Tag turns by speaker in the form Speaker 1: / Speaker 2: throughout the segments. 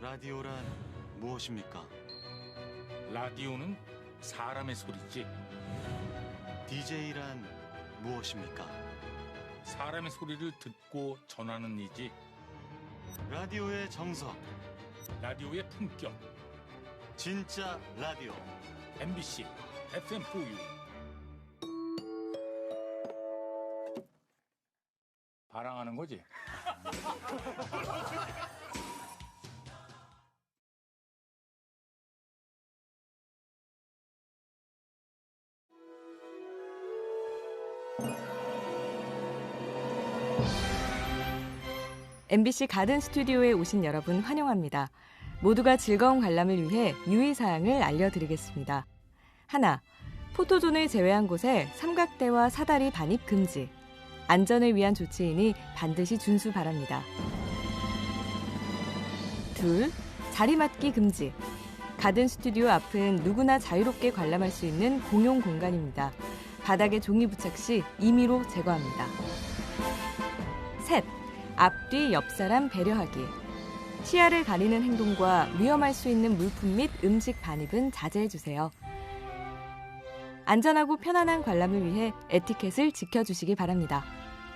Speaker 1: 라디오란 무엇입니까?
Speaker 2: 라디오는 사람의 소리지.
Speaker 1: DJ란 무엇입니까?
Speaker 2: 사람의 소리를 듣고 전하는 이지.
Speaker 1: 라디오의 정석,
Speaker 2: 라디오의 품격.
Speaker 1: 진짜 라디오.
Speaker 2: MBC FM4U. 바랑하는 거지.
Speaker 3: MBC 가든 스튜디오에 오신 여러분 환영합니다. 모두가 즐거운 관람을 위해 유의사항을 알려드리겠습니다. 하나, 포토존을 제외한 곳에 삼각대와 사다리 반입 금지. 안전을 위한 조치이니 반드시 준수 바랍니다. 둘, 자리 맡기 금지. 가든 스튜디오 앞은 누구나 자유롭게 관람할 수 있는 공용 공간입니다. 바닥에 종이 부착 시 임의로 제거합니다. 셋, 앞뒤 옆사람 배려하기. 시야를 가리는 행동과 위험할 수 있는 물품 및 음식 반입은 자제해주세요. 안전하고 편안한 관람을 위해 에티켓을 지켜주시기 바랍니다.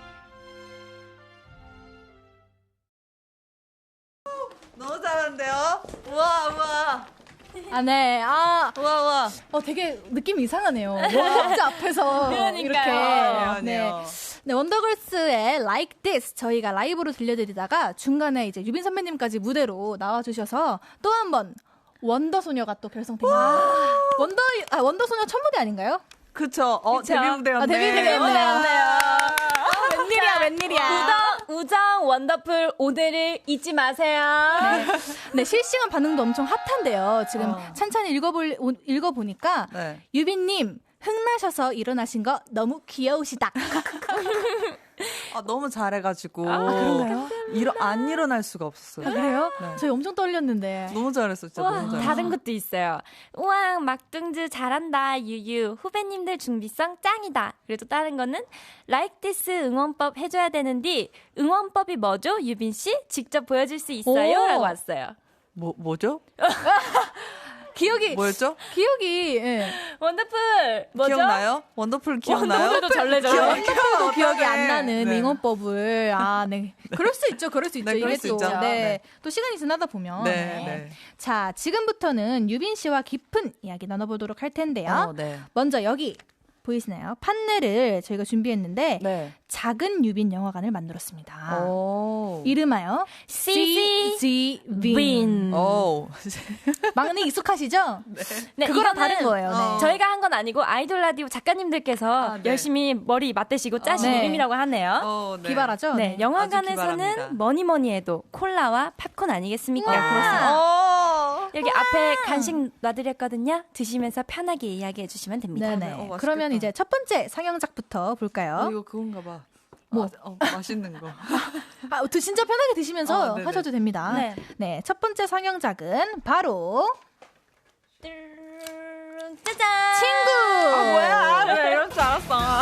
Speaker 4: 너무 잘하는데요? 우와.
Speaker 5: 네.
Speaker 4: 우와.
Speaker 5: 되게 느낌이 이상하네요. 원더걸스 앞에서 이렇게. 네, 원더걸스의 Like This 저희가 라이브로 들려드리다가 중간에 이제 유빈 선배님까지 무대로 나와주셔서 또 한 번 원더소녀가 또 결성됩니다. 원더소녀 첫 무대 아닌가요?
Speaker 4: 그쵸. 데뷔 무대였네.
Speaker 5: 데뷔 무대였네요. 웬일이야.
Speaker 6: 우정 원더풀 오늘을 잊지 마세요.
Speaker 5: 네, 실시간 반응도 엄청 핫한데요. 지금 찬찬히 읽어보니까 유빈님 흥나셔서 일어나신 거 너무 귀여우시다.
Speaker 4: 너무 잘해가지고
Speaker 5: 그런가요?
Speaker 4: 안 일어날 수가 없었어요.
Speaker 5: 그래요?
Speaker 4: 네.
Speaker 5: 저희 엄청 떨렸는데.
Speaker 4: 너무 잘했어, 진짜. 너무 잘했어.
Speaker 6: 다른 것도 있어요. 우왕 막둥즈 잘한다 유유 후배님들 준비성 짱이다. 그래도 다른 거는 Like This 응원법 해줘야 되는데 응원법이 뭐죠? 유빈 씨 직접 보여줄 수 있어요? 라고 왔어요.
Speaker 4: 뭐죠?
Speaker 5: 뭐였죠? 기억이
Speaker 6: 원더풀 뭐죠?
Speaker 4: 기억나요? 원더풀 기억나요?
Speaker 6: 원더풀도 절레절레.
Speaker 5: 원더풀도 기억이 안 나는
Speaker 4: 네.
Speaker 5: 응원법을 네. 그럴 수 있죠.
Speaker 4: 네,
Speaker 5: 이게
Speaker 4: 수
Speaker 5: 또
Speaker 4: 있죠.
Speaker 5: 네. 또 시간이 지나다 보면
Speaker 4: 네.
Speaker 5: 자, 지금부터는 유빈 씨와 깊은 이야기 나눠보도록 할 텐데요.
Speaker 4: 네.
Speaker 5: 먼저 여기 보이시나요? 판넬을 저희가 준비했는데
Speaker 4: 네.
Speaker 5: 작은 유빈 영화관을 만들었습니다.
Speaker 4: 오.
Speaker 5: 이름하여
Speaker 6: CG
Speaker 5: 윈.
Speaker 4: 오.
Speaker 5: 막내 익숙하시죠?
Speaker 6: 네,
Speaker 5: 그거랑
Speaker 6: 이거는
Speaker 5: 다른 거예요. 네.
Speaker 6: 저희가 한 건 아니고 아이돌 라디오 작가님들께서
Speaker 4: 네.
Speaker 6: 열심히 머리 맞대시고 짜신
Speaker 5: 네.
Speaker 6: 이름이라고 하네요.
Speaker 4: 네.
Speaker 5: 기발하죠?
Speaker 6: 네,
Speaker 4: 아주
Speaker 6: 영화관에서는
Speaker 4: 기발합니다.
Speaker 6: 뭐니 해도 콜라와 팝콘 아니겠습니까?
Speaker 5: 우와.
Speaker 6: 그렇습니다. 여기 앞에 간식 놔드렸거든요. 드시면서 편하게 이야기해 주시면 됩니다.
Speaker 5: 네네.
Speaker 4: 맛있겠다.
Speaker 5: 그러면 이제 첫 번째 상영작부터 볼까요?
Speaker 4: 이거 그건가 봐.
Speaker 5: 뭐?
Speaker 4: 맛있는 거.
Speaker 5: 진짜 편하게 드시면서
Speaker 4: 네네.
Speaker 5: 하셔도 됩니다.
Speaker 6: 네.
Speaker 5: 네, 첫 번째 상영작은 바로
Speaker 6: 짜잔!
Speaker 5: 친구!
Speaker 6: 뭐야? 왜 이럴 줄 알았어.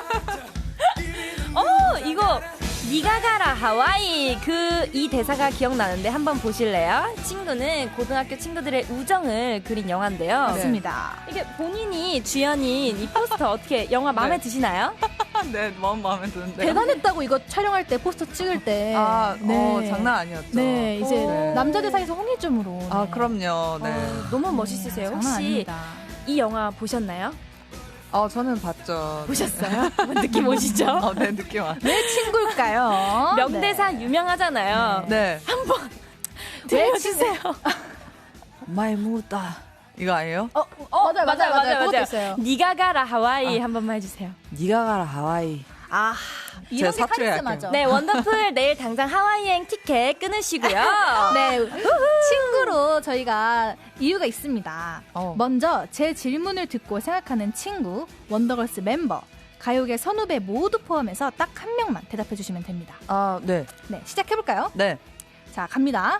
Speaker 6: 이거 니가 가라 하와이 이 대사가 기억나는데 한번 보실래요? 친구는 고등학교 친구들의 우정을 그린 영화인데요.
Speaker 5: 맞습니다.
Speaker 6: 이게 본인이 주연인 이 포스터 어떻게 영화 마음에
Speaker 4: 네.
Speaker 6: 드시나요?
Speaker 4: 네, 마음에 드는데.
Speaker 5: 대단했다고 이거 촬영할 때 포스터 찍을 때.
Speaker 4: 장난 아니었죠.
Speaker 5: 네, 이제
Speaker 4: 네.
Speaker 5: 남자들 사이에서 홍일점으로. 네.
Speaker 4: 그럼요. 네.
Speaker 6: 너무 멋있으세요.
Speaker 5: 장난
Speaker 6: 혹시
Speaker 5: 아닙니다.
Speaker 6: 이 영화 보셨나요?
Speaker 4: 저는 봤죠.
Speaker 6: 보셨어요? 느낌 오시죠?
Speaker 4: 네, 느낌 와.
Speaker 5: 왜 친구일까요?
Speaker 6: 명대사 유명하잖아요.
Speaker 4: 네.
Speaker 6: 들려주세요.
Speaker 4: 마이 무다. 이거 아니에요?
Speaker 5: 맞아요. 그것도 있어요.
Speaker 6: 니가 가라 하와이 한 번만 해주세요.
Speaker 4: 니가 가라 하와이.
Speaker 5: 이런 게
Speaker 4: 사투리
Speaker 5: 카리스마죠.
Speaker 6: 네, 원더풀 내일 당장 하와이 여행 티켓 끊으시고요.
Speaker 5: 네, 친구로 저희가 이유가 있습니다. 먼저 제 질문을 듣고 생각하는 친구, 원더걸스 멤버, 가요계 선후배 모두 포함해서 딱 한 명만 대답해 주시면 됩니다.
Speaker 4: 네.
Speaker 5: 네, 시작해볼까요?
Speaker 4: 네.
Speaker 5: 자, 갑니다.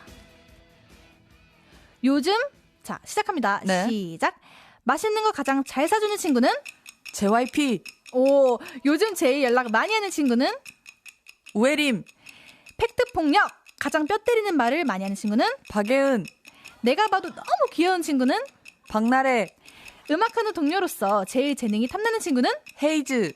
Speaker 5: 요즘, 자, 시작합니다.
Speaker 4: 네.
Speaker 5: 시작. 맛있는 거 가장 잘 사주는 친구는?
Speaker 4: JYP.
Speaker 5: 요즘 제일 연락 많이 하는 친구는?
Speaker 4: 우혜림.
Speaker 5: 팩트 폭력 가장 뼈 때리는 말을 많이 하는 친구는?
Speaker 4: 박예은,
Speaker 5: 내가 봐도 너무 귀여운 친구는?
Speaker 4: 박나래,
Speaker 5: 음악하는 동료로서 제일 재능이 탐나는 친구는?
Speaker 4: 헤이즈.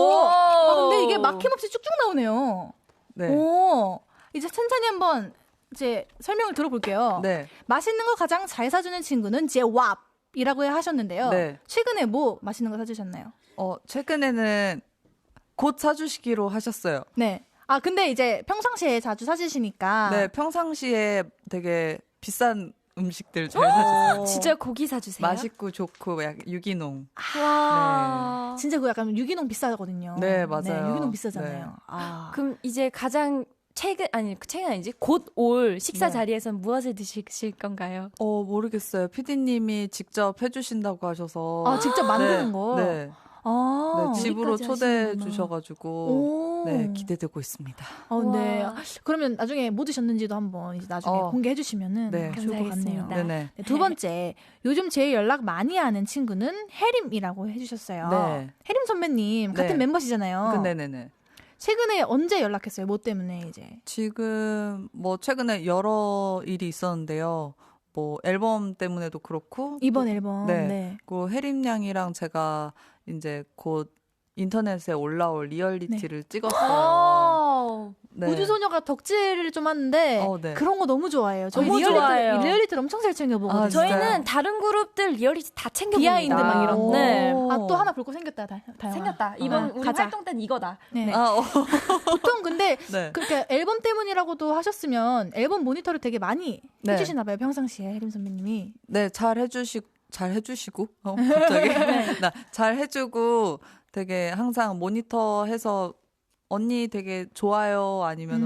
Speaker 5: 근데 이게 막힘없이 쭉쭉 나오네요.
Speaker 4: 네.
Speaker 5: 오, 이제 천천히 한번 이제 설명을 들어볼게요.
Speaker 4: 네.
Speaker 5: 맛있는 거 가장 잘 사주는 친구는 제왑이라고 하셨는데요.
Speaker 4: 네.
Speaker 5: 최근에 뭐 맛있는 거 사주셨나요?
Speaker 4: 최근에는 곧 사주시기로 하셨어요.
Speaker 5: 네. 아, 근데 이제 평상시에 자주 사주시니까.
Speaker 4: 네, 평상시에 되게 비싼 음식들 잘 사주세요.
Speaker 6: 진짜 고기 사주세요.
Speaker 4: 맛있고 좋고 약간 유기농.
Speaker 6: 와.
Speaker 5: 진짜 그 약간 유기농 비싸거든요.
Speaker 4: 네, 맞아요.
Speaker 5: 유기농 비싸잖아요.
Speaker 4: 네.
Speaker 5: 아.
Speaker 6: 그럼 이제 가장 최근 아니지 곧 올 식사
Speaker 4: 네.
Speaker 6: 자리에선 무엇을 드실 건가요?
Speaker 4: 모르겠어요. PD님이 직접 해주신다고 하셔서.
Speaker 5: 아, 직접 만드는 거?
Speaker 4: 네.
Speaker 5: 아.
Speaker 4: 네, 집으로
Speaker 6: 여기까지
Speaker 4: 초대해
Speaker 6: 하시는구나.
Speaker 4: 주셔가지고.
Speaker 5: 오.
Speaker 4: 네, 기대되고 있습니다.
Speaker 5: 네.
Speaker 6: 와.
Speaker 5: 그러면 나중에 뭐 드셨는지도 한번 이제 나중에 공개해 주시면은
Speaker 4: 네.
Speaker 5: 좋을 것 같네요.
Speaker 6: 감사하겠습니다.
Speaker 4: 네네.
Speaker 5: 네, 두 번째, 요즘 제일 연락 많이 하는 친구는 혜림이라고 해주셨어요.
Speaker 4: 네.
Speaker 5: 혜림 선배님 같은
Speaker 4: 네.
Speaker 5: 멤버시잖아요.
Speaker 4: 네네네.
Speaker 5: 최근에 언제 연락했어요? 뭐 때문에 이제?
Speaker 4: 지금 최근에 여러 일이 있었는데요. 앨범 때문에도 그렇고.
Speaker 5: 이번 앨범.
Speaker 4: 네. 그 혜림 양이랑 제가 이제 곧 인터넷에 올라올 리얼리티를 찍었어요. 네.
Speaker 5: 우주소녀가 덕질을 좀 하는데
Speaker 4: 네.
Speaker 5: 그런 거 너무 좋아해요. 저희
Speaker 6: 너무 좋아해요.
Speaker 5: 리얼리티를 엄청 잘 챙겨보거든요.
Speaker 4: 아, 진짜요?
Speaker 6: 저희는 다른 그룹들 리얼리티 다 챙겨봅니다.
Speaker 5: 비하인드 막 이런 거.
Speaker 6: 네.
Speaker 5: 아, 또 하나 볼 거 생겼다. 다영아.
Speaker 6: 생겼다. 이번 우리
Speaker 5: 가자.
Speaker 6: 활동 때는 이거다.
Speaker 5: 네.
Speaker 4: 아,
Speaker 5: 보통 근데
Speaker 4: 네.
Speaker 5: 그렇게 앨범 때문이라고도 하셨으면 앨범 모니터를 되게 많이
Speaker 4: 네.
Speaker 5: 해주시나 봐요. 평상시에 혜림 선배님이.
Speaker 4: 네, 잘 해주시고, 갑자기. 잘 해주고, 되게 항상 모니터해서, 언니 되게 좋아요, 아니면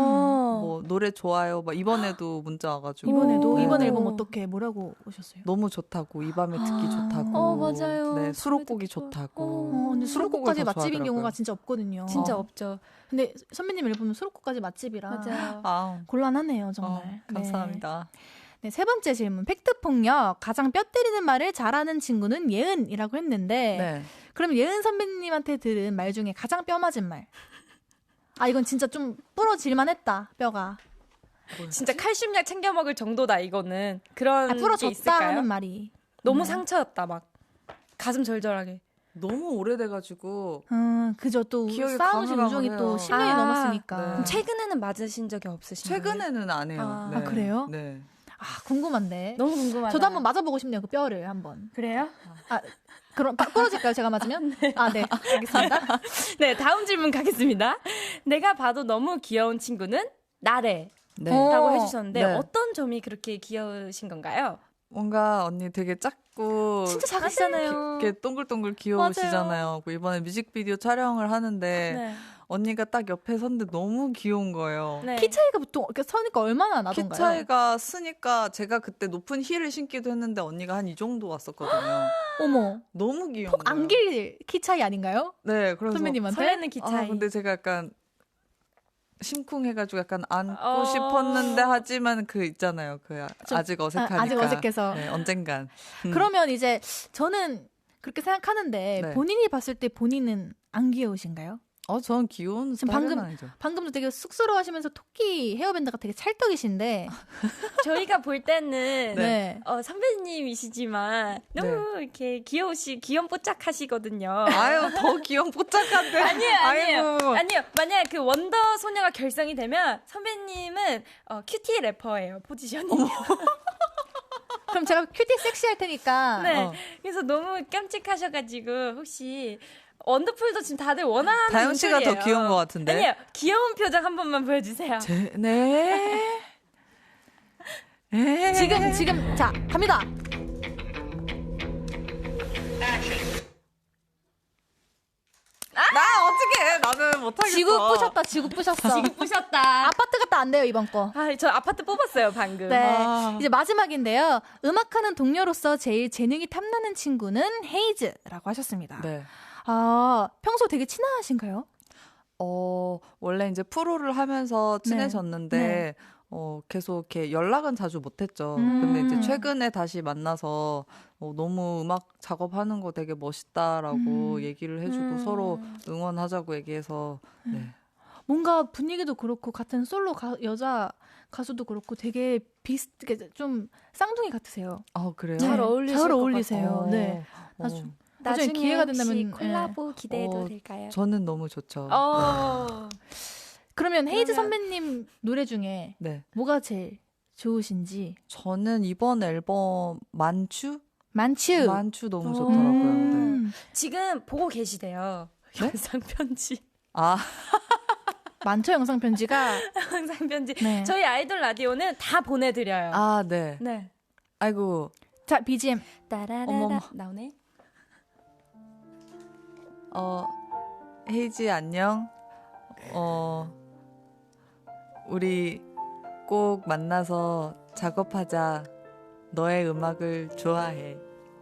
Speaker 4: 노래 좋아요, 막 이번에도 문자 와가지고.
Speaker 5: 이번에도
Speaker 4: 네.
Speaker 5: 이번 앨범 어떻게 뭐라고 오셨어요?
Speaker 4: 너무 좋다고, 이 밤에 듣기 좋다고.
Speaker 6: 맞아요.
Speaker 4: 네, 수록곡이
Speaker 6: 좋아.
Speaker 4: 좋다고.
Speaker 5: 근데 수록곡까지
Speaker 4: 더
Speaker 5: 맛집인
Speaker 4: 좋아하더라고요.
Speaker 5: 경우가 진짜 없거든요.
Speaker 6: 진짜 없죠.
Speaker 5: 근데 선배님 앨범은 수록곡까지 맛집이라
Speaker 6: 맞아요.
Speaker 4: 아,
Speaker 5: 곤란하네요, 정말.
Speaker 4: 감사합니다.
Speaker 5: 네, 세 번째 질문. 팩트폭력. 가장 뼈 때리는 말을 잘하는 친구는 예은이라고 했는데
Speaker 4: 네.
Speaker 5: 그럼 예은 선배님한테 들은 말 중에 가장 뼈 맞은 말. 아, 이건 진짜 좀 부러질만 했다, 뼈가.
Speaker 6: 진짜 칼슘약 챙겨 먹을 정도다 이거는. 그런 게
Speaker 5: 부러졌다
Speaker 6: 있을까요?
Speaker 5: 하는 말이.
Speaker 6: 너무 상처였다 막. 가슴 절절하게.
Speaker 4: 너무 오래돼가지고,
Speaker 5: 그죠. 또
Speaker 4: 기억이
Speaker 5: 싸우신 우정이
Speaker 4: 가물가물해요.
Speaker 5: 또 10년이
Speaker 6: 아,
Speaker 5: 넘었으니까.
Speaker 4: 네.
Speaker 6: 그럼 최근에는 맞으신 적이 없으신가요?
Speaker 4: 최근에는 안 해요.
Speaker 6: 아,
Speaker 4: 네.
Speaker 5: 아, 그래요?
Speaker 4: 네.
Speaker 5: 아, 궁금한데.
Speaker 6: 너무 궁금하다.
Speaker 5: 저도 한번 맞아보고 싶네요, 그 뼈를 한번.
Speaker 6: 그래요?
Speaker 5: 그럼 부러질까요, 제가 맞으면? 아, 네. 알겠습니다.
Speaker 6: 네, 다음 질문 가겠습니다. 내가 봐도 너무 귀여운 친구는 나래.
Speaker 4: 네.
Speaker 6: 라고 해주셨는데
Speaker 4: 네.
Speaker 6: 어떤 점이 그렇게 귀여우신 건가요?
Speaker 4: 뭔가 언니 되게 작고
Speaker 6: 진짜 작으시잖아요.
Speaker 4: 이렇게 동글동글 귀여우시잖아요. 그 이번에 뮤직비디오 촬영을 하는데
Speaker 6: 네.
Speaker 4: 언니가 딱 옆에 섰는데 너무 귀여운 거예요.
Speaker 6: 네.
Speaker 5: 키 차이가 보통 이렇게 서니까 얼마나
Speaker 4: 키
Speaker 5: 나던가요?
Speaker 4: 차이가 쓰니까 제가 그때 높은 힐을 신기도 했는데 언니가 한 이 정도 왔었거든요.
Speaker 5: 어머.
Speaker 4: 너무 귀여운
Speaker 5: 폭
Speaker 4: 거예요.
Speaker 5: 안길 키 차이 아닌가요?
Speaker 4: 네, 그래서
Speaker 5: 선배님한테?
Speaker 6: 설레는 키 차이.
Speaker 4: 근데 제가 약간 심쿵해가지고 약간 안고
Speaker 6: 어.
Speaker 4: 싶었는데 하지만 그 있잖아요. 그
Speaker 5: 좀-
Speaker 4: 아직 어색하니까.
Speaker 5: 아직 어색해서.
Speaker 4: 네, 언젠간.
Speaker 5: 그러면 이제 저는 그렇게 생각하는데
Speaker 4: 네.
Speaker 5: 본인이 봤을 때 본인은 안 귀여우신가요?
Speaker 4: 전 귀여운
Speaker 5: 지금
Speaker 4: 스타일은
Speaker 5: 방금-
Speaker 4: 아니죠.
Speaker 5: 방금도 되게 쑥스러워하시면서 토끼 헤어밴드가 되게 찰떡이신데
Speaker 6: 저희가 볼 때는
Speaker 5: 네.
Speaker 6: 선배님이시지만 너무 이렇게 귀염뽀짝하시거든요.
Speaker 4: 아유, 더 귀염 뽀짝한데.
Speaker 6: 아니에요.
Speaker 4: 아이고.
Speaker 6: 아니요. 만약 그 원더 소녀가 결성이 되면 선배님은 큐티 래퍼예요. 포지션이.
Speaker 5: 그럼 제가 큐티 섹시할 테니까
Speaker 6: 네. 그래서 너무 깜찍하셔가지고 혹시 원더풀도 지금 다들 원하는
Speaker 4: 다현 씨가 더
Speaker 6: 눈초리예요.
Speaker 4: 귀여운 것 같은데.
Speaker 6: 아니에요. 귀여운 표정 한 번만 보여주세요.
Speaker 4: 네.
Speaker 5: 지금 자 갑니다.
Speaker 4: 나 어떻게 해? 나는 못하겠어.
Speaker 5: 지구 부셨다. 지구 부셨어.
Speaker 6: 지금 부셨다.
Speaker 5: 아파트 갔다 안 돼요 이번 거.
Speaker 6: 저 아파트 뽑았어요 방금.
Speaker 5: 네.
Speaker 4: 아.
Speaker 5: 이제 마지막인데요. 음악하는 동료로서 제일 재능이 탐나는 친구는 헤이즈라고 하셨습니다.
Speaker 4: 네.
Speaker 5: 아, 평소 되게 친하신가요?
Speaker 4: 원래 이제 프로를 하면서 친해졌는데,
Speaker 5: 네.
Speaker 4: 계속 이렇게 연락은 자주 못했죠.
Speaker 5: 음.
Speaker 4: 근데 이제 최근에 다시 만나서 너무 음악 작업하는 거 되게 멋있다라고 얘기를 해주고 서로 응원하자고 얘기해서, 네.
Speaker 5: 뭔가 분위기도 그렇고 같은 솔로 여자 가수도 그렇고 되게 좀 쌍둥이 같으세요.
Speaker 4: 그래요?
Speaker 6: 잘 어울리실
Speaker 5: 잘
Speaker 6: 것
Speaker 5: 어울리세요.
Speaker 6: 같아요.
Speaker 5: 네. 나중에 기회가 된다면
Speaker 6: 콜라보 기대해도 될까요?
Speaker 4: 저는 너무 좋죠.
Speaker 5: 그러면 헤이즈 선배님 노래 중에
Speaker 4: 네.
Speaker 5: 뭐가 제일 좋으신지?
Speaker 4: 저는 이번 앨범 만추 너무 좋더라고요. 네.
Speaker 6: 지금 보고 계시대요.
Speaker 4: 네?
Speaker 6: 영상 편지.
Speaker 5: 많죠, 영상 편지가.
Speaker 6: 영상 편지.
Speaker 5: 네.
Speaker 6: 저희 아이돌 라디오는 다 보내드려요.
Speaker 4: 네.
Speaker 6: 네.
Speaker 4: 아이고.
Speaker 5: 자, BGM.
Speaker 6: 따라라라
Speaker 4: 어머머.
Speaker 6: 나오네.
Speaker 4: 헤이지 안녕. 우리 꼭 만나서 작업하자. 너의 음악을 좋아해.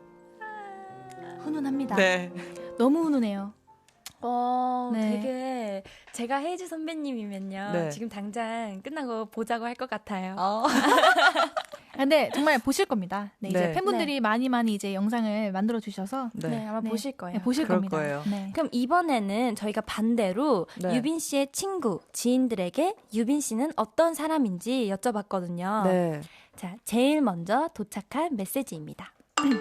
Speaker 5: 훈훈합니다.
Speaker 4: 네.
Speaker 5: 너무 훈훈해요. 네.
Speaker 6: 되게 제가 헤이즈 선배님이면요.
Speaker 4: 네.
Speaker 6: 지금 당장 끝나고 보자고 할 것 같아요.
Speaker 5: 근데 정말 보실 겁니다. 네, 이제
Speaker 4: 네.
Speaker 5: 팬분들이 많이 이제 영상을 만들어 주셔서
Speaker 6: 네, 아마
Speaker 5: 네.
Speaker 6: 보실 거예요.
Speaker 5: 네, 보실
Speaker 4: 그럴
Speaker 5: 겁니다.
Speaker 4: 거예요.
Speaker 5: 네.
Speaker 6: 그럼 이번에는 저희가 반대로
Speaker 4: 네.
Speaker 6: 유빈 씨의 친구, 지인들에게 유빈 씨는 어떤 사람인지 여쭤봤거든요.
Speaker 4: 네.
Speaker 6: 자, 제일 먼저 도착한 메시지입니다.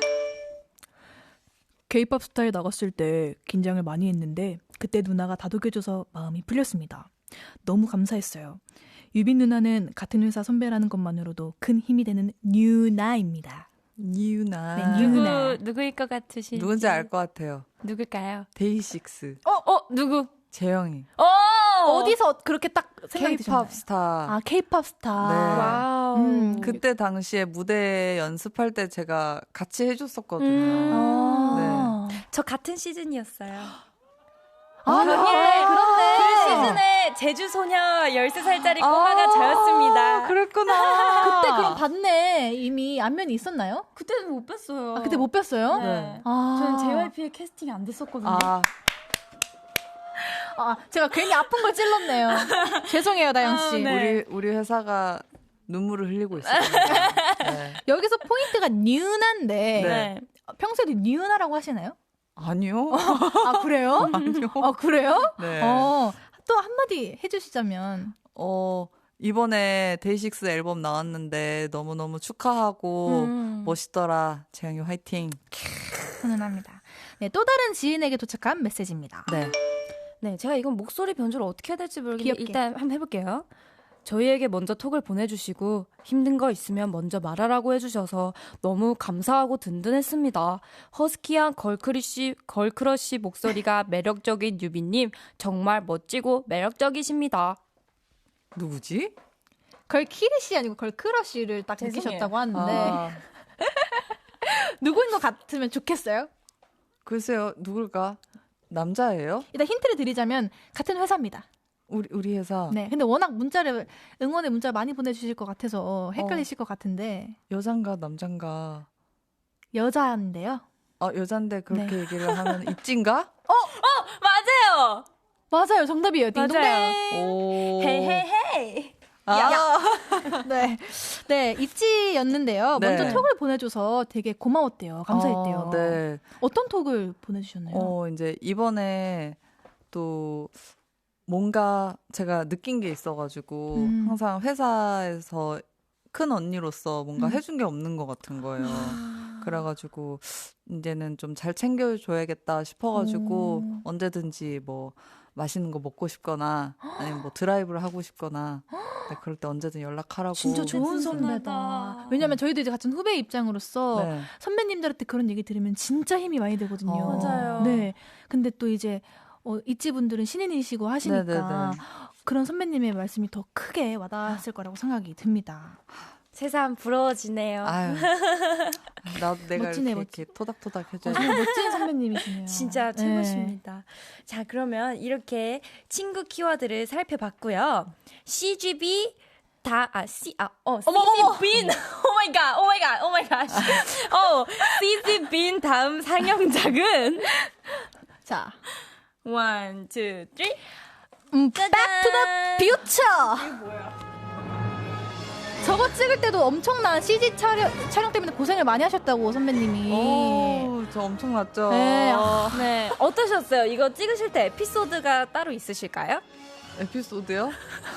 Speaker 5: K-pop 스타에 나갔을 때 긴장을 많이 했는데 그때 누나가 다독여줘서 마음이 풀렸습니다. 너무 감사했어요. 유빈 누나는 같은 회사 선배라는 것만으로도 큰 힘이 되는 뉴나입니다.
Speaker 4: 니유나.
Speaker 5: 네, 뉴나.
Speaker 6: 누구일 것 같으신지.
Speaker 4: 누군지 알 것 같아요.
Speaker 6: 누굴까요?
Speaker 4: 데이식스.
Speaker 6: 누구?
Speaker 4: 재영이.
Speaker 5: 어디서 그렇게 딱 생각이 드셨나요?
Speaker 4: K-pop 스타.
Speaker 5: K-pop 스타.
Speaker 4: 네.
Speaker 6: 와우.
Speaker 4: 그때 당시에 무대 연습할 때 제가 같이 해줬었거든요.
Speaker 6: 저 같은 시즌이었어요.
Speaker 5: 그렇네.
Speaker 6: 그 시즌에 제주소녀 13살짜리 꼬마가 저였습니다.
Speaker 4: 그랬구나.
Speaker 5: 그때 그럼 봤네. 이미 안면이 있었나요?
Speaker 6: 그때는 못 뵀어요.
Speaker 5: 그때 못 뵀어요?
Speaker 6: 네.
Speaker 5: 저는
Speaker 6: 저는 JYP에 캐스팅이 안 됐었거든요.
Speaker 5: 제가 괜히 아픈 걸 찔렀네요. 죄송해요, 다영 씨.
Speaker 6: 네.
Speaker 4: 우리 회사가 눈물을 흘리고 있어요. 네.
Speaker 5: 여기서 포인트가 뉴나인데
Speaker 4: 네.
Speaker 5: 평소에도 뉴나라고 하시나요?
Speaker 4: 아니요.
Speaker 5: 그래요?
Speaker 4: 아니요.
Speaker 5: 그래요?
Speaker 4: 네.
Speaker 5: 또 한마디 해주시자면.
Speaker 4: 이번에 데이식스 앨범 나왔는데 너무너무 축하하고 멋있더라. 재영이 화이팅.
Speaker 5: 훈훈합니다. 네, 또 다른 지인에게 도착한 메시지입니다.
Speaker 4: 네.
Speaker 6: 네, 제가 이건 목소리 변조를 어떻게 해야 될지 모르겠는데
Speaker 5: 귀엽게.
Speaker 6: 일단 한번 해볼게요. 저희에게 먼저 톡을 보내주시고 힘든 거 있으면 먼저 말하라고 해주셔서 너무 감사하고 든든했습니다. 허스키한 걸크러쉬 목소리가 매력적인 유빈님 정말 멋지고 매력적이십니다.
Speaker 4: 누구지?
Speaker 5: 걸키리씨 아니고 걸크러쉬를 딱
Speaker 6: 죄송해요.
Speaker 5: 느끼셨다고 하는데 누구인 것 같으면 좋겠어요?
Speaker 4: 글쎄요. 누굴까? 남자예요?
Speaker 5: 일단 힌트를 드리자면 같은 회사입니다.
Speaker 4: 우리 회사.
Speaker 5: 네, 근데 워낙 응원의 문자 많이 보내주실 것 같아서 헷갈리실 것 같은데
Speaker 4: 여잔가 남잔가.
Speaker 5: 여자인데요.
Speaker 4: 여잔데 그렇게
Speaker 5: 네.
Speaker 4: 얘기를 하면 입진가?
Speaker 6: 맞아요.
Speaker 5: 맞아요, 정답이에요. 딩동댕.
Speaker 4: 오.
Speaker 6: 헤이헤이헤이.
Speaker 5: 네, 입지였는데요.
Speaker 4: 네.
Speaker 5: 먼저 톡을 보내줘서 되게 고마웠대요. 감사했대요.
Speaker 4: 네.
Speaker 5: 어떤 톡을 보내주셨나요?
Speaker 4: 이제 이번에 또 뭔가 제가 느낀 게 있어가지고 항상 회사에서 큰 언니로서 뭔가 해준 게 없는 것 같은 거예요. 그래가지고 이제는 좀 잘 챙겨줘야겠다 싶어가지고 언제든지 뭐 맛있는 거 먹고 싶거나 아니면 뭐 드라이브를 하고 싶거나 네, 그럴 때 언제든 연락하라고.
Speaker 5: 진짜 좋은 선배다. 왜냐면 저희도 이제 같은 후배 입장으로서
Speaker 4: 네.
Speaker 5: 선배님들한테 그런 얘기 들으면 진짜 힘이 많이 되거든요.
Speaker 6: 맞아요.
Speaker 5: 네. 근데 또 이제 있지 분들은 신인이시고 하시니까
Speaker 4: 네네네.
Speaker 5: 그런 선배님의 말씀이 더 크게 와닿았을 거라고 생각이 듭니다.
Speaker 6: 세상 부러워지네요.
Speaker 4: 아유, 나도 내가
Speaker 5: 멋지네,
Speaker 4: 이렇게 토닥토닥 해줘야
Speaker 5: 정말 멋진 선배님이시네요.
Speaker 6: 진짜 최고십니다. 자, 그러면 이렇게 친구 키워드를 살펴봤고요. CGB CG빈 오마이갓 CG빈 다음 상영작은
Speaker 5: 자,
Speaker 6: 1, 2, 3
Speaker 5: Back to the Future. 저거 찍을 때도 엄청난 CG 촬영 때문에 고생을 많이 하셨다고 선배님이.
Speaker 4: 저 엄청났죠.
Speaker 5: 네.
Speaker 6: 네, 어떠셨어요? 이거 찍으실 때 에피소드가 따로 있으실까요?
Speaker 4: 에피소드요?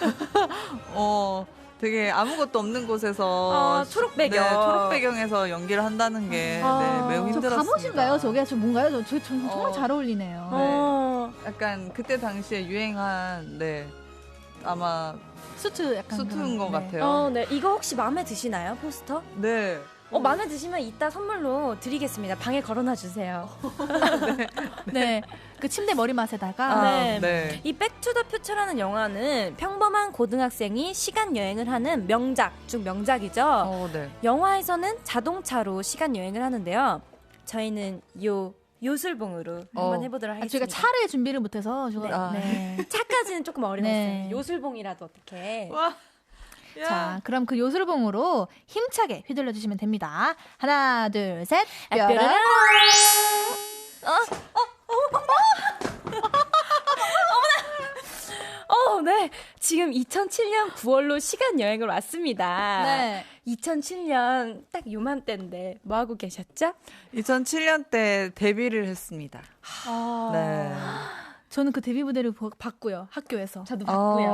Speaker 4: 되게 아무것도 없는 곳에서
Speaker 6: 초록 배경.
Speaker 4: 네, 초록 배경에서 연기를 한다는 게 네, 매우
Speaker 5: 저
Speaker 4: 힘들었습니다.
Speaker 5: 갑옷인가요? 저게 저 뭔가요? 저 정말 잘 어울리네요.
Speaker 4: 네. 약간 그때 당시에 유행한 네 아마
Speaker 5: 수트 약간
Speaker 4: 수트인 것
Speaker 5: 네.
Speaker 4: 같아요.
Speaker 6: 네. 이거 혹시 마음에 드시나요, 포스터?
Speaker 4: 네.
Speaker 6: 마음에 드시면 이따 선물로 드리겠습니다. 방에 걸어놔 주세요.
Speaker 5: 네. 그 침대 머리맡에다가
Speaker 6: 네.
Speaker 4: 네.
Speaker 6: 이 백투더퓨처라는 영화는 평범한 고등학생이 시간 여행을 하는 명작 중 명작이죠.
Speaker 4: 네.
Speaker 6: 영화에서는 자동차로 시간 여행을 하는데요. 저희는 요술봉으로 한번 해보도록 하겠습니다.
Speaker 5: 저희가 차를 준비를 못해서
Speaker 6: 네. 차까지는 조금 어려웠어요.
Speaker 5: 네.
Speaker 6: 요술봉이라도 어떻게?
Speaker 4: 와.
Speaker 5: 자, 그럼 그 요술봉으로 힘차게 휘둘러 주시면 됩니다. 하나, 둘, 셋.
Speaker 6: 뾰로롱!
Speaker 5: 뾰로롱!
Speaker 6: 네. 지금 2007년 9월로 시간 여행을 왔습니다.
Speaker 5: 네.
Speaker 6: 2007년 딱 요맘때인데 뭐 하고 계셨죠?
Speaker 4: 2007년 때 데뷔를 했습니다. 네.
Speaker 5: 저는 그 데뷔 무대를 봤고요. 학교에서.
Speaker 6: 저도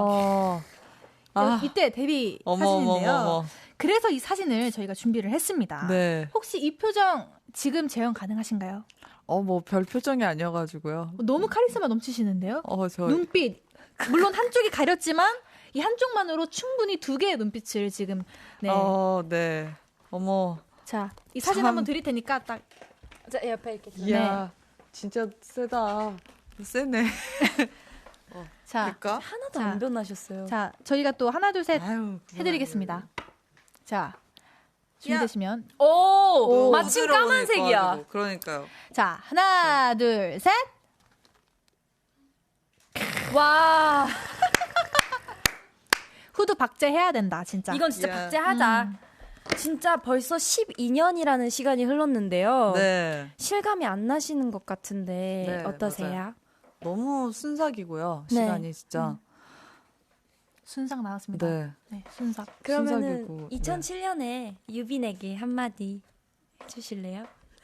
Speaker 5: 이때 데뷔 사진인데요. 그래서 이 사진을 저희가 준비를 했습니다.
Speaker 4: 네.
Speaker 5: 혹시 이 표정 지금 재현 가능하신가요?
Speaker 4: 뭐 별 표정이 아니어가지고요.
Speaker 5: 너무 카리스마 넘치시는데요?
Speaker 4: 저
Speaker 5: 눈빛. 물론 한쪽이 가렸지만 이 한쪽만으로 충분히 두 개의 눈빛을 지금 네.
Speaker 4: 네. 어머.
Speaker 5: 자, 이 사진
Speaker 4: 참.
Speaker 5: 한번 드릴 테니까 딱
Speaker 6: 자, 옆에 이렇게
Speaker 4: 이야, 진짜 세다. 세네.
Speaker 5: 자,
Speaker 4: 될까?
Speaker 6: 하나도
Speaker 5: 자.
Speaker 6: 안 변하셨어요.
Speaker 5: 자, 저희가 또 하나 둘 셋
Speaker 4: 아유,
Speaker 5: 해드리겠습니다. 자, 준비되시면
Speaker 6: 오, 마침
Speaker 4: 부드러우니까
Speaker 6: 까만색이야.
Speaker 4: 가지고. 그러니까요.
Speaker 5: 자, 하나 둘 셋.
Speaker 6: 와,
Speaker 5: 후드 박제해야 된다, 진짜.
Speaker 6: 이건 진짜
Speaker 4: 예.
Speaker 6: 박제하자. 진짜 벌써 12년이라는 시간이 흘렀는데요.
Speaker 4: 네.
Speaker 6: 실감이 안 나시는 것 같은데
Speaker 4: 네,
Speaker 6: 어떠세요?
Speaker 4: 맞아요. 너무 순삭이고요.
Speaker 6: 네.
Speaker 4: 시간이 진짜.
Speaker 5: 순삭 나왔습니다.
Speaker 4: 네.
Speaker 5: 네, 순삭.
Speaker 6: 그러면은
Speaker 4: 순삭이고,
Speaker 6: 2007년에 유빈에게 한마디 해주실래요?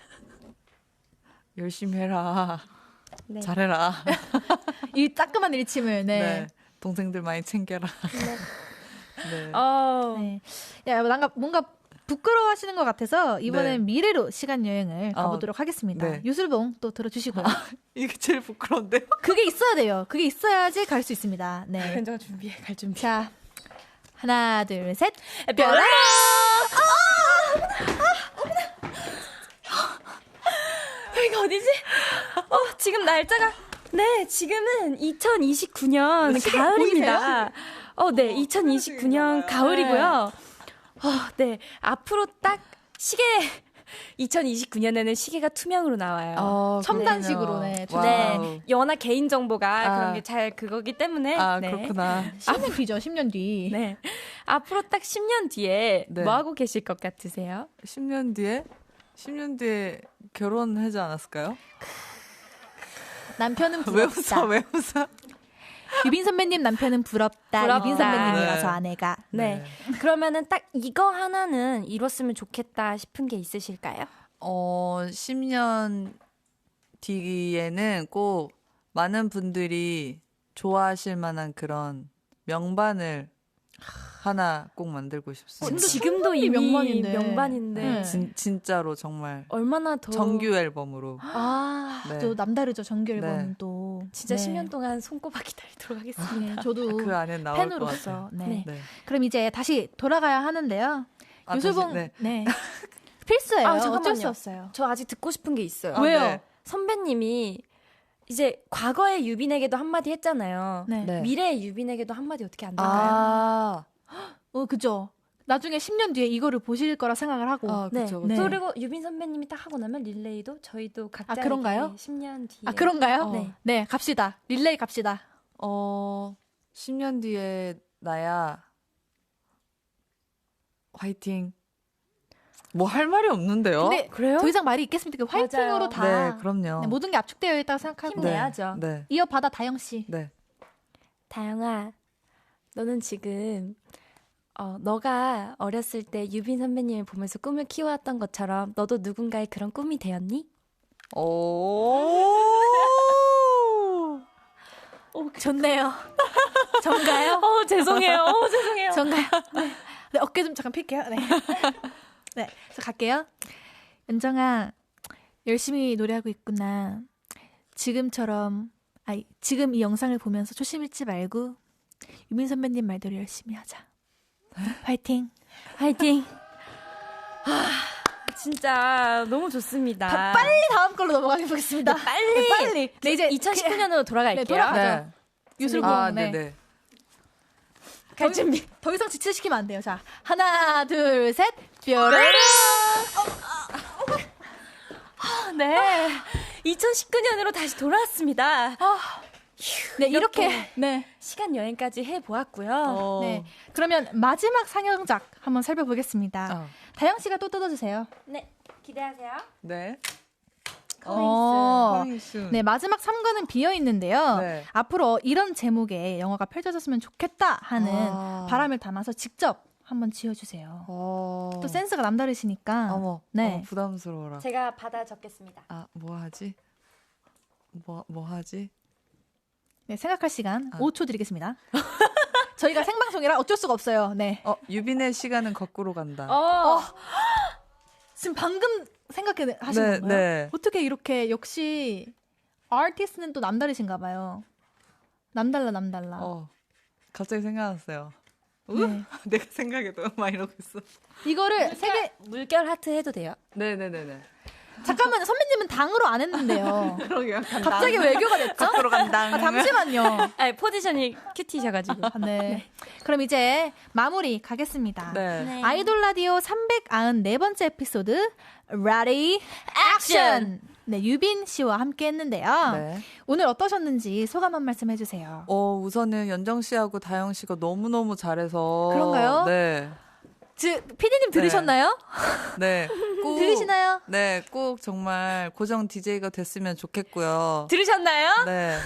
Speaker 4: 열심히 해라.
Speaker 6: 네.
Speaker 4: 잘해라.
Speaker 5: 이 따끔한 일침을
Speaker 4: 네.
Speaker 5: 네.
Speaker 4: 동생들 많이 챙겨라. 네.
Speaker 5: 네. 야, 뭔가 부끄러워하시는 것 같아서 이번엔
Speaker 4: 네.
Speaker 5: 미래로 시간 여행을 가보도록 하겠습니다.
Speaker 4: 네.
Speaker 5: 유술봉 또 들어주시고요.
Speaker 4: 이게 제일 부끄러운데요?
Speaker 5: 그게 있어야 돼요. 그게 있어야지 갈 수 있습니다. 네.
Speaker 6: 현정아 준비해, 갈 준비.
Speaker 5: 자, 하나, 둘, 셋.
Speaker 6: 뾰로롱! 여기가 어디지? 지금 날짜가 네, 지금은 2029년 가을입니다. 네, 2029년 가을이고요. 네, 앞으로 딱 시계 2029년에는 시계가 투명으로 나와요.
Speaker 5: 첨단식으로 네.
Speaker 6: 네, 워낙 개인 정보가
Speaker 4: 아.
Speaker 6: 그런 게 잘 그거기 때문에 네.
Speaker 4: 그렇구나.
Speaker 5: 10년 뒤죠, 10년 뒤.
Speaker 6: 네. 앞으로 딱 10년 뒤에
Speaker 4: 네.
Speaker 6: 뭐 하고 계실 것 같으세요?
Speaker 4: 10년 뒤에 결혼하지 않았을까요?
Speaker 5: 남편은
Speaker 4: 왜 웃어?
Speaker 5: 부럽다.
Speaker 4: 왜 웃어?
Speaker 5: 유빈 선배님 남편은 부럽다.
Speaker 6: 부럽다.
Speaker 5: 유빈 선배님이라서
Speaker 4: 네.
Speaker 5: 아내가.
Speaker 6: 네. 그러면은 딱 이거 하나는 이뤘으면 좋겠다 싶은 게 있으실까요?
Speaker 4: 10년 뒤에는 꼭 많은 분들이 좋아하실 만한 그런 명반을 하나 꼭 만들고 싶습니다.
Speaker 6: 지금도 이미
Speaker 5: 명반인데.
Speaker 6: 명반인데
Speaker 5: 네.
Speaker 4: 진짜로 정말
Speaker 6: 얼마나 더
Speaker 4: 정규 앨범으로.
Speaker 6: 네.
Speaker 5: 또 남다르죠, 정규 앨범은
Speaker 4: 네.
Speaker 5: 또.
Speaker 6: 진짜
Speaker 5: 네.
Speaker 6: 10년 동안 손꼽아 기다리도록 하겠습니다.
Speaker 5: 네, 저도
Speaker 4: 그 안에 나올 것
Speaker 5: 팬으로서.
Speaker 4: 같아요.
Speaker 5: 네.
Speaker 4: 네.
Speaker 5: 그럼 이제 다시 돌아가야 하는데요. 유술봉
Speaker 4: 다시,
Speaker 5: 네. 필수예요.
Speaker 6: 잠깐만요.
Speaker 5: 어쩔 수 없어요.
Speaker 6: 저 아직 듣고 싶은 게 있어요.
Speaker 5: 왜요?
Speaker 4: 네.
Speaker 6: 선배님이 이제 과거의 유빈에게도 한마디 했잖아요.
Speaker 5: 네.
Speaker 4: 네.
Speaker 6: 미래의 유빈에게도 한마디 어떻게 안 될까요?
Speaker 5: 그죠. 나중에 10년 뒤에 이거를 보실 거라 생각을 하고.
Speaker 4: 그쵸,
Speaker 5: 네.
Speaker 6: 그리고 유빈 선배님이 딱 하고 나면 릴레이도 저희도 각자
Speaker 5: 그런가요?
Speaker 6: 10년 뒤에
Speaker 5: 그런가요?
Speaker 6: 네.
Speaker 5: 네, 갑시다. 릴레이 갑시다.
Speaker 4: 10년 뒤에 나야 화이팅. 뭐 할 말이 없는데요?
Speaker 5: 근데
Speaker 6: 그래요?
Speaker 5: 더 이상 말이 있겠습니까? 그 화이팅으로
Speaker 6: 맞아요.
Speaker 5: 다
Speaker 4: 네, 그럼요.
Speaker 5: 네, 모든 게 압축되어 있다고 생각하고
Speaker 6: 힘내야죠.
Speaker 4: 네.
Speaker 5: 이어받아 다영 씨.
Speaker 4: 네.
Speaker 6: 다영아, 너는 지금 너가 어렸을 때 유빈 선배님을 보면서 꿈을 키워왔던 것처럼 너도 누군가의 그런 꿈이 되었니?
Speaker 4: 오.
Speaker 5: 좋네요. 전가요?
Speaker 6: 죄송해요. 죄송해요.
Speaker 5: 전가요? 네, 어깨 좀 잠깐 필게요. 네. 네, 저 갈게요. 연정아, 열심히 노래하고 있구나. 지금 이 영상을 보면서 초심 잃지 말고 유민 선배님 말대로 열심히 하자. 화이팅.
Speaker 6: 화이팅. 진짜 너무 좋습니다.
Speaker 5: 빨리 다음 걸로 넘어가 보겠습니다. 빨리. 네, 이제
Speaker 6: 2019년으로 돌아갈게요.
Speaker 5: 네, 돌아가죠.
Speaker 4: 네.
Speaker 5: 유슬공. 네.
Speaker 4: 네네.
Speaker 6: 갈 준비.
Speaker 5: 더 이상 지체시키면 안 돼요. 자, 하나, 둘, 셋. 뾰로로.
Speaker 6: 네. 2019년으로 다시 돌아왔습니다.
Speaker 5: 네, 이렇게. 네.
Speaker 6: 시간 여행까지 해보았고요.
Speaker 5: 네. 그러면 마지막 상영작 한번 살펴보겠습니다. 다영 씨가 또 뜯어주세요.
Speaker 6: 네. 기대하세요.
Speaker 4: 네.
Speaker 5: 커밍스. 네, 마지막 3관은 비어 있는데요.
Speaker 4: 네.
Speaker 5: 앞으로 이런 제목의 영화가 펼쳐졌으면 좋겠다 하는 바람을 담아서 직접 한번 지어주세요. 또 센스가 남다르시니까.
Speaker 4: 어머,
Speaker 5: 네.
Speaker 4: 부담스러워라.
Speaker 6: 제가 받아 적겠습니다.
Speaker 4: 뭐 하지? 뭐 하지?
Speaker 5: 네, 생각할 시간 5초 드리겠습니다. 저희가 생방송이라 어쩔 수가 없어요. 네.
Speaker 4: 유빈의 시간은 거꾸로 간다.
Speaker 5: 지금 방금 생각하신 건가요?
Speaker 4: 네.
Speaker 5: 어떻게 이렇게 역시 아티스트는 또 남다르신가 봐요. 남달라.
Speaker 4: 갑자기 생각났어요.
Speaker 5: 네.
Speaker 4: 내가 생각해 너무 많이 이러고 있어.
Speaker 5: 이거를 세개
Speaker 6: 물결 하트 해도 돼요?
Speaker 4: 네네네네.
Speaker 5: 잠깐만요. 선배님은 당으로 안 했는데요.
Speaker 4: 그러게요.
Speaker 5: 갑자기 외교가 됐죠?
Speaker 4: 거꾸로 간다.
Speaker 5: 잠시만요.
Speaker 6: 포지션이 큐티셔가지고.
Speaker 5: 네. 그럼 이제 마무리 가겠습니다.
Speaker 4: 네.
Speaker 5: 아이돌 라디오 394번째 에피소드 Ready Action. 네, 유빈 씨와 함께 했는데요.
Speaker 4: 네.
Speaker 5: 오늘 어떠셨는지 소감 한 말씀 해주세요.
Speaker 4: 우선은 연정 씨하고 다영 씨가 너무너무 잘해서.
Speaker 5: 그런가요?
Speaker 4: 네.
Speaker 5: 피디님 들으셨나요?
Speaker 4: 네. 꼭,
Speaker 5: 들으시나요?
Speaker 4: 네, 꼭 정말 고정 DJ가 됐으면 좋겠고요.
Speaker 6: 들으셨나요?
Speaker 4: 네.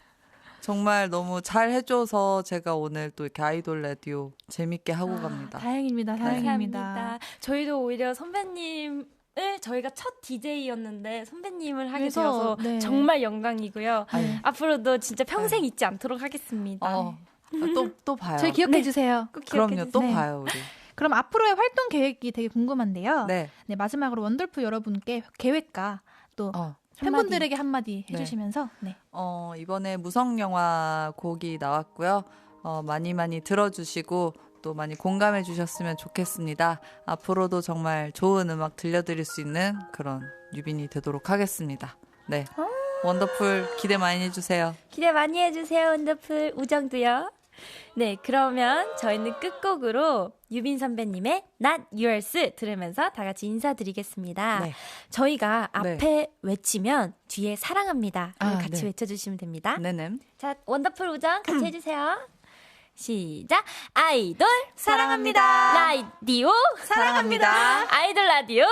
Speaker 4: 정말 너무 잘 해줘서 제가 오늘 또 이렇게 아이돌 라디오 재밌게 하고 갑니다.
Speaker 5: 다행입니다.
Speaker 6: 감사합니다. 저희도 오히려 선배님을 저희가 첫 DJ였는데 선배님을 하게
Speaker 5: 그래서,
Speaker 6: 되어서
Speaker 5: 네.
Speaker 6: 정말 영광이고요.
Speaker 4: 아유.
Speaker 6: 앞으로도 진짜 평생 잊지 않도록 하겠습니다.
Speaker 4: 또 봐요.
Speaker 5: 저희 기억해 주세요.
Speaker 6: 꼭 기억해
Speaker 4: 그럼요,
Speaker 6: 주세요.
Speaker 4: 또
Speaker 5: 네.
Speaker 4: 봐요, 우리.
Speaker 5: 그럼 앞으로의 활동 계획이 되게 궁금한데요.
Speaker 4: 네.
Speaker 5: 네, 마지막으로 원더풀 여러분께 계획과 또
Speaker 4: 어.
Speaker 5: 팬분들에게 한마디
Speaker 4: 네.
Speaker 5: 해주시면서 네.
Speaker 4: 이번에 무성영화 곡이 나왔고요. 많이 들어주시고 또 많이 공감해 주셨으면 좋겠습니다. 앞으로도 정말 좋은 음악 들려드릴 수 있는 그런 유빈이 되도록 하겠습니다. 네. 원더풀 기대 많이 해주세요.
Speaker 6: 기대 많이 해주세요. 원더풀 우정도요. 네, 그러면 저희는 끝곡으로 유빈 선배님의 Not Yours 들으면서 다 같이 인사드리겠습니다.
Speaker 4: 네.
Speaker 6: 저희가 앞에
Speaker 4: 네.
Speaker 6: 외치면 뒤에 사랑합니다. 같이
Speaker 4: 네.
Speaker 6: 외쳐주시면 됩니다.
Speaker 4: 네네.
Speaker 6: 자, 원더풀 우정 같이 해주세요. 시작. 아이돌 사랑합니다. 라디오
Speaker 4: 사랑합니다.
Speaker 6: 아이돌 라디오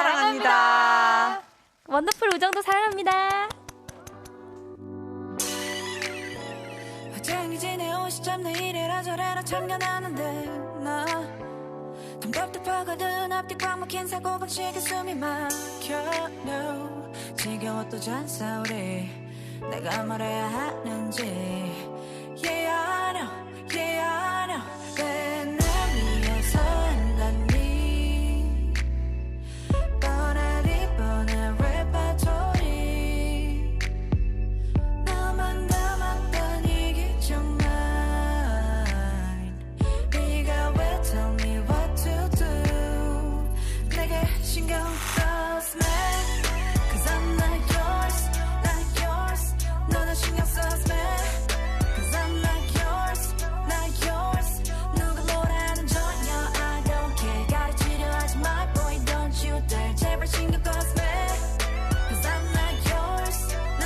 Speaker 4: 사랑합니다.
Speaker 6: 원더풀 우정도 사랑합니다.
Speaker 7: 화장이 지내 옷이 잡내 이래라 저래라 참견하는데 나 답답하거든 앞뒤 꽉 막힌 사고방식에 숨이 막혀 no. 지겨워 또 잔소리 내가 말해야 하는지 Yeah I know Yeah I know 왜 날 위해서 한다니 뻔하디 뻔한 레퍼토리 나만 남았던 이게 정말 네가 왜 tell me what to do 내게 신경 써서 매 Cause I'm not yours not yours 너는 신경 써서 매 Cause I'm not yours not yours 누가 뭐라는 전혀 I don't care 가르치려 하지 마 boy don't you dare 제발 신경 써서 매 Cause I'm not yours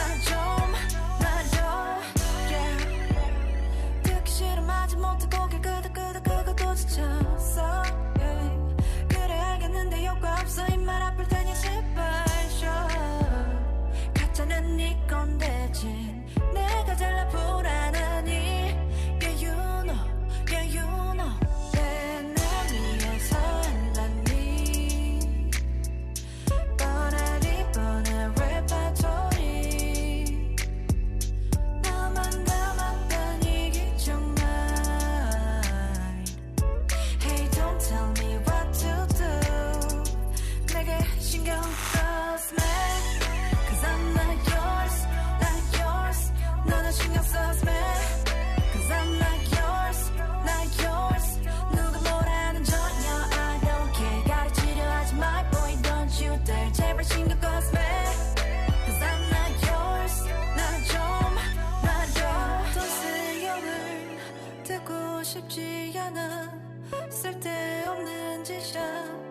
Speaker 7: 나 좀 yeah 듣기 싫음 하지 못해 고개 끄덕끄덕 지쳤어 yeah. 그래 알겠는데 효과 없어 이 말 아플 테니 제발 신경 써서 Cause I'm not yours, not yours 누가 뭐라는 전혀 I don't care 가르치려 하지 마 boy don't you dare 제발 신경 꺼서 Cause I'm not yours 나좀 놔줘 돈 쓰여을 듣고 싶지 않아 쓸데없는 짓이야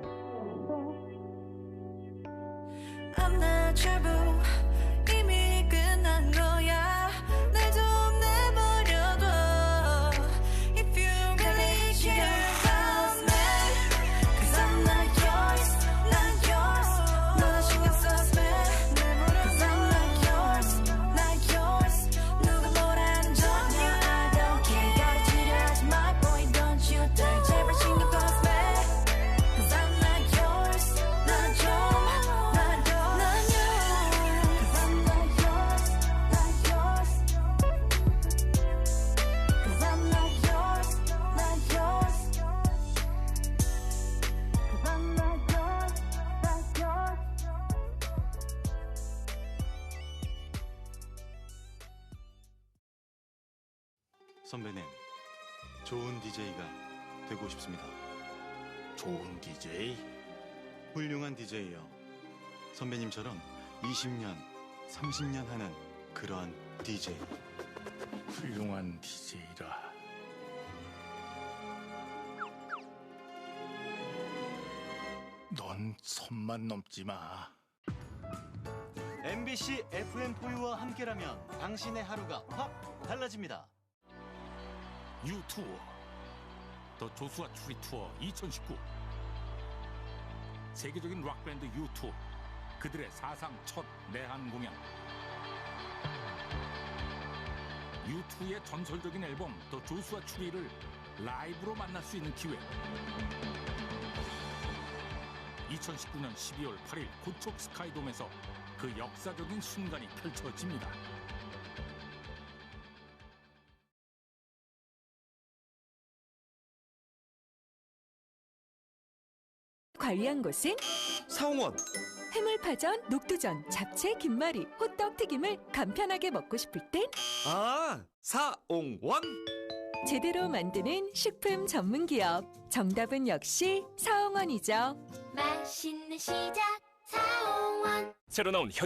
Speaker 7: I'm not trouble 이미 끝난 거야 날 좀 내버려둬 If you really care about me Cause I'm not yours, not yours 너나 신경 써서 Cause I'm not yours, not yours 누가 뭐라는 전혀 I don't care 가르치려 하지 마 boy don't you dare 제발 신경 꺼서 Cause I'm not yours 나좀
Speaker 1: 선배님, 좋은 DJ가 되고 싶습니다.
Speaker 2: 좋은 DJ?
Speaker 1: 훌륭한 DJ요. 선배님처럼 20년, 30년 하는 그러한 DJ.
Speaker 2: 훌륭한 DJ라. 넌 선만 넘지 마.
Speaker 1: MBC FM4U와 함께라면 당신의 하루가 확 달라집니다.
Speaker 2: U2 더 조수아 추리 투어 2019 세계적인 락밴드 U2 그들의 사상 첫 내한 공연 U2의 전설적인 앨범 더 조수아 추리를 라이브로 만날 수 있는 기회 2019년 12월 8일 고척 스카이돔에서 그 역사적인 순간이 펼쳐집니다.
Speaker 8: 관리한 곳은
Speaker 9: 사홍원
Speaker 8: 해물파전, 녹두전, 잡채, 김말이, 호떡, 튀김을 간편하게 먹고 싶을 땐
Speaker 9: 사홍원
Speaker 8: 제대로 만드는 식품 전문 기업. 정답은 역시 사홍원이죠.
Speaker 6: 맛있는 시작 사홍원
Speaker 9: 새로 나온